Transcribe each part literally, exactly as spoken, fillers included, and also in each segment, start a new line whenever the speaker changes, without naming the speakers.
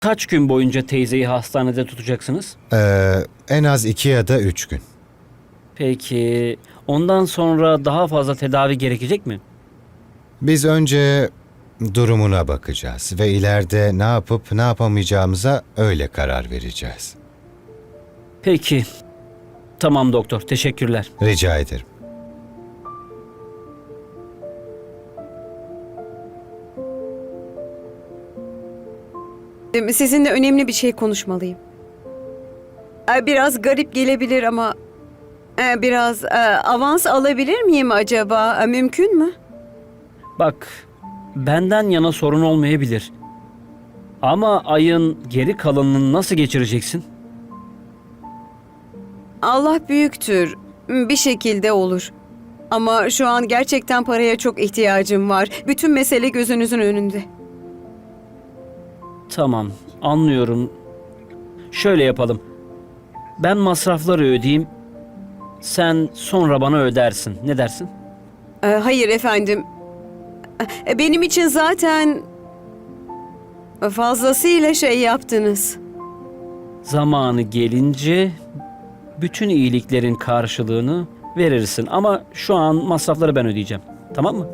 Kaç gün boyunca teyzeyi hastanede tutacaksınız?
Ee, en az iki ya da üç gün.
Peki ondan sonra daha fazla tedavi gerekecek mi?
Biz önce durumuna bakacağız ve ileride ne yapıp ne yapamayacağımıza öyle karar vereceğiz.
Peki. Tamam doktor, teşekkürler.
Rica ederim.
Sizinle önemli bir şey konuşmalıyım. Ee, Biraz garip gelebilir ama e, biraz e, avans alabilir miyim acaba? E, Mümkün mü?
Bak, benden yana sorun olmayabilir. Ama ayın geri kalanını nasıl geçireceksin?
Allah büyüktür. Bir şekilde olur. Ama şu an gerçekten paraya çok ihtiyacım var. Bütün mesele gözünüzün önünde.
Tamam, anlıyorum. Şöyle yapalım. Ben masrafları ödeyeyim. Sen sonra bana ödersin. Ne dersin?
Ee, Hayır efendim. Ee, Benim için zaten fazlasıyla şey yaptınız.
Zamanı gelince bütün iyiliklerin karşılığını verirsin. Ama şu an masrafları ben ödeyeceğim. Tamam mı?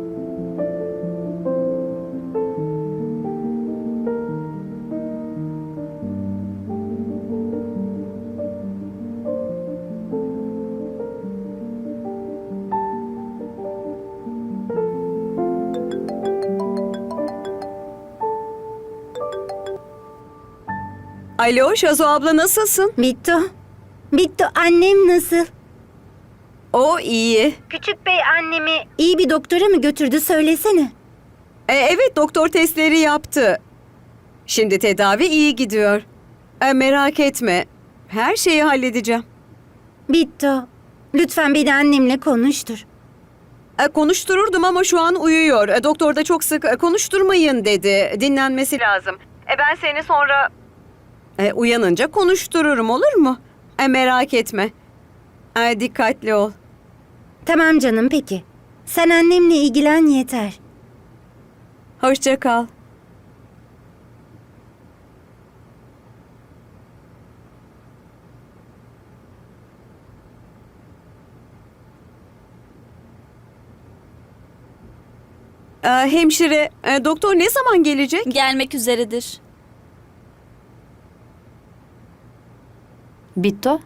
Alo Şazo abla, nasılsın?
Bittu. Bittu, annem nasıl?
O iyi.
Küçük bey annemi iyi bir doktora mı götürdü, söylesene.
E, evet, doktor testleri yaptı. Şimdi tedavi iyi gidiyor. E, merak etme. Her şeyi halledeceğim.
Bittu, lütfen beni annemle konuştur.
E, konuştururdum ama şu an uyuyor. E, doktor da çok sık e, konuşturmayın dedi. Dinlenmesi lazım. E, ben seni sonra e, uyanınca konuştururum, olur mu? E, merak etme. E, dikkatli ol.
Tamam canım, peki. Sen annemle ilgilen yeter.
Hoşça kal. E, hemşire, e, doktor ne zaman gelecek?
Gelmek üzeredir.
Bittu.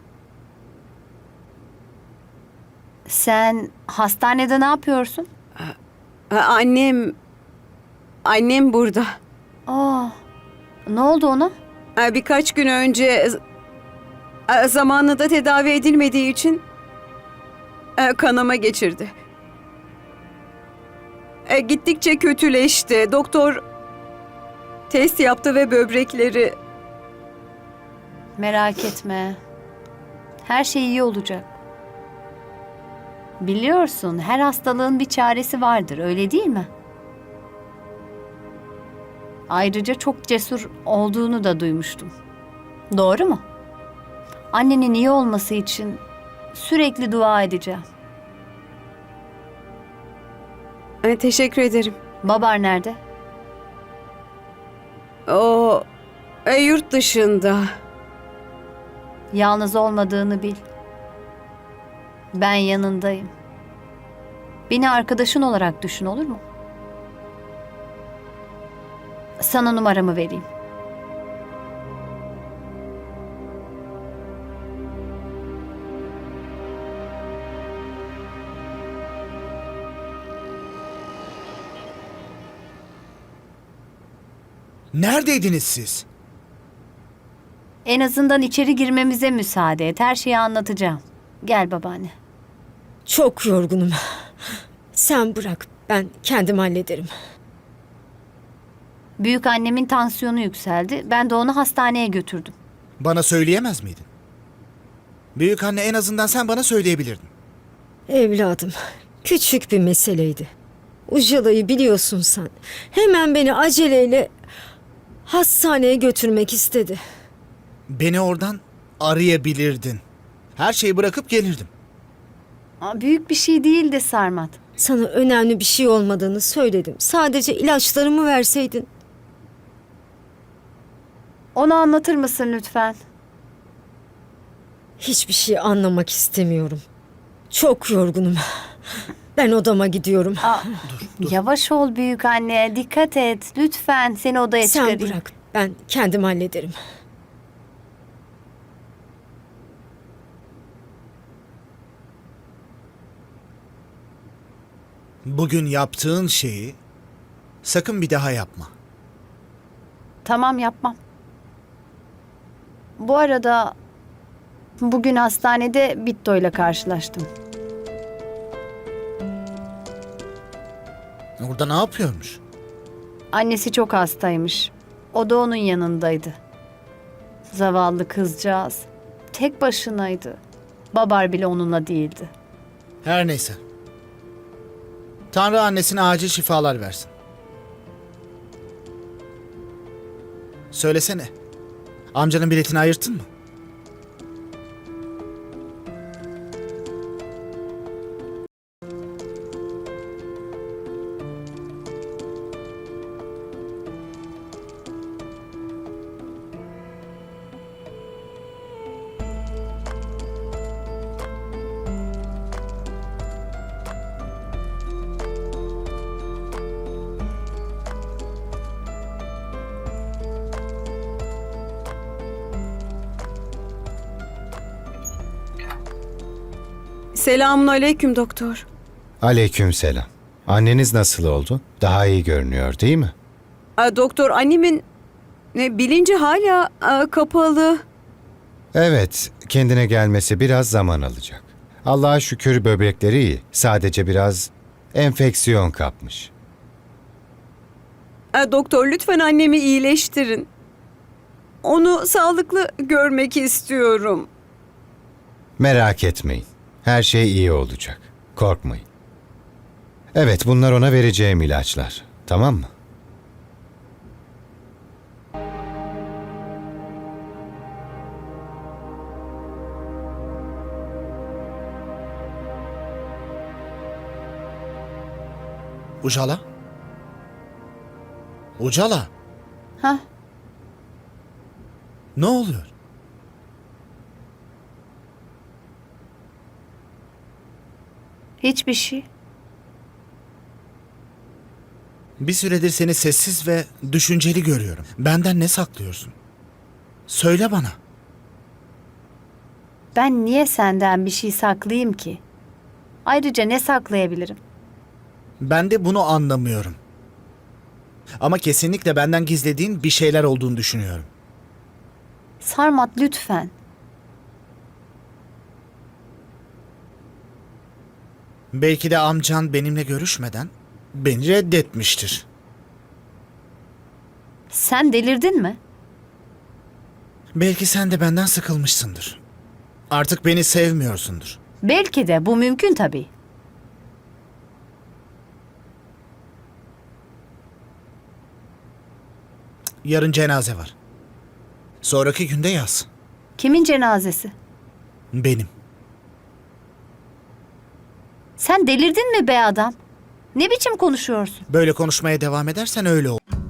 Sen hastanede ne yapıyorsun?
E, annem... Annem burada.
Aa, ne oldu ona?
E, birkaç gün önce... e, zamanında tedavi edilmediği için... e, kanama geçirdi. E, gittikçe kötüleşti. Doktor... test yaptı ve böbrekleri...
Merak etme. Her şey iyi olacak. Biliyorsun, her hastalığın bir çaresi vardır, öyle değil mi? Ayrıca çok cesur olduğunu da duymuştum. Doğru mu? Annenin iyi olması için sürekli dua edeceğim.
E, teşekkür ederim.
Babar nerede?
O... e, yurt dışında.
Yalnız olmadığını bil. Ben yanındayım. Beni arkadaşın olarak düşün, olur mu? Sana numaramı vereyim.
Neredeydiniz siz?
En azından içeri girmemize müsaade et. Her şeyi anlatacağım. Gel babaanne.
Çok yorgunum. Sen bırak, ben kendim hallederim.
Büyük annemin tansiyonu yükseldi. Ben de onu hastaneye götürdüm.
Bana söyleyemez miydin? Büyük anne, en azından sen bana söyleyebilirdin.
Evladım, küçük bir meseleydi. Ujala'yı biliyorsun sen. Hemen beni aceleyle hastaneye götürmek istedi.
Beni oradan arayabilirdin. Her şeyi bırakıp gelirdim.
Aa, büyük bir şey değildi Sarmat.
Sana önemli bir şey olmadığını söyledim. Sadece ilaçlarımı verseydin.
Ona anlatır mısın lütfen?
Hiçbir şey anlamak istemiyorum. Çok yorgunum. Ben odama gidiyorum.
Aa, Yavaş ol büyük anne. Dikkat et. Lütfen seni odaya
Sen
çıkarayım.
bırak. Ben kendim hallederim.
Bugün yaptığın şeyi sakın bir daha yapma.
Tamam, yapmam. Bu arada bugün hastanede Bitto ile karşılaştım.
Orada ne yapıyormuş?
Annesi çok hastaymış. O da onun yanındaydı. Zavallı kızcağız. Tek başınaydı. Babar bile onunla değildi.
Her neyse. Tanrı annesine acil şifalar versin. Söylesene. Amcanın biletini ayırttın mı?
Selamun aleyküm doktor.
Aleykümselam. Anneniz nasıl oldu? Daha iyi görünüyor değil mi?
Aa, doktor, annemin e, bilinci hala e, kapalı.
Evet, kendine gelmesi biraz zaman alacak. Allah'a şükür böbrekleri iyi. Sadece biraz enfeksiyon kapmış.
Aa, doktor, lütfen annemi iyileştirin. Onu sağlıklı görmek istiyorum.
Merak etmeyin. Her şey iyi olacak. Korkmayın. Evet, bunlar ona vereceğim ilaçlar. Tamam mı?
Ucala? Ucala?
Hah,
Ne oluyor?
hiçbir şey.
Bir süredir seni sessiz ve düşünceli görüyorum. Benden ne saklıyorsun? Söyle bana.
Ben niye senden bir şey saklayayım ki? Ayrıca ne saklayabilirim?
Ben de bunu anlamıyorum. Ama kesinlikle benden gizlediğin bir şeyler olduğunu düşünüyorum.
Sarmat, lütfen.
Belki de amcan benimle görüşmeden beni reddetmiştir.
Sen delirdin mi?
Belki sen de benden sıkılmışsındır. Artık beni sevmiyorsundur.
Belki de, bu mümkün tabii.
Yarın cenaze var. Sonraki günde yaz.
Kimin cenazesi?
Benim.
Sen delirdin mi be adam? Ne biçim konuşuyorsun?
Böyle konuşmaya devam edersen öyle olur.